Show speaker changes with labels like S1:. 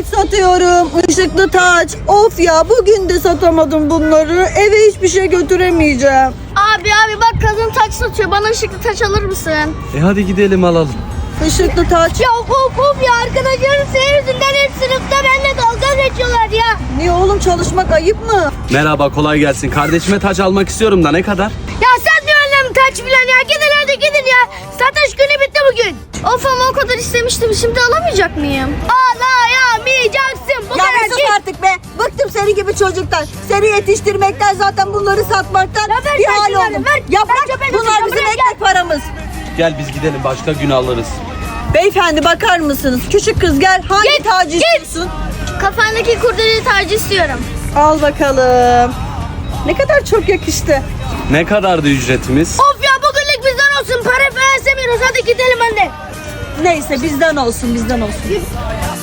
S1: taç satıyorum. Işıklı taç. Of ya, bugün de satamadım bunları. Eve hiçbir şey götüremeyeceğim.
S2: Abi bak kadın taç satıyor. Bana ışıklı taç alır mısın?
S3: Hadi gidelim alalım.
S1: Işıklı taç.
S2: Ya of ya, arkadaşlarım senin yüzünden hep sınıfta benimle dalga geçiyorlar ya.
S1: Niye oğlum, çalışmak ayıp mı?
S3: Merhaba, kolay gelsin. Kardeşime taç almak istiyorum da ne kadar?
S2: Ya sen diyor annem taç filan ya. Gidin hadi gidin ya. Satış günü bitti bugün. Of ama o kadar istemiştim. Şimdi alamayacak mıyım? Alayamayacaksın. Bu
S1: Ya
S2: kadar
S1: bir sus
S2: git.
S1: artık be. Bıktım seni gibi çocuktan. Seni yetiştirmekten, zaten bunları satmaktan
S2: Ya ver
S1: bir
S2: sen
S1: hal
S2: şunları,
S1: oldum.
S2: ver.
S1: Ya
S2: Ver
S1: bırak,
S2: çöpe
S1: bunlar
S2: götür,
S1: bizim
S2: buraya
S1: ekmek paramız.
S3: Gel biz gidelim, başka gün alırız.
S1: Beyefendi bakar mısınız? Küçük kız gel. Hangi tacı istiyorsun?
S2: Kafandaki kurdele tacı istiyorum.
S1: Al bakalım. Ne kadar çok yakıştı.
S3: Ne kadardı ücretimiz?
S2: Of ya, bugünlük bizden olsun. Para falan istemiyoruz. Hadi gidelim anne.
S1: Neyse, bizden olsun, bizden olsun.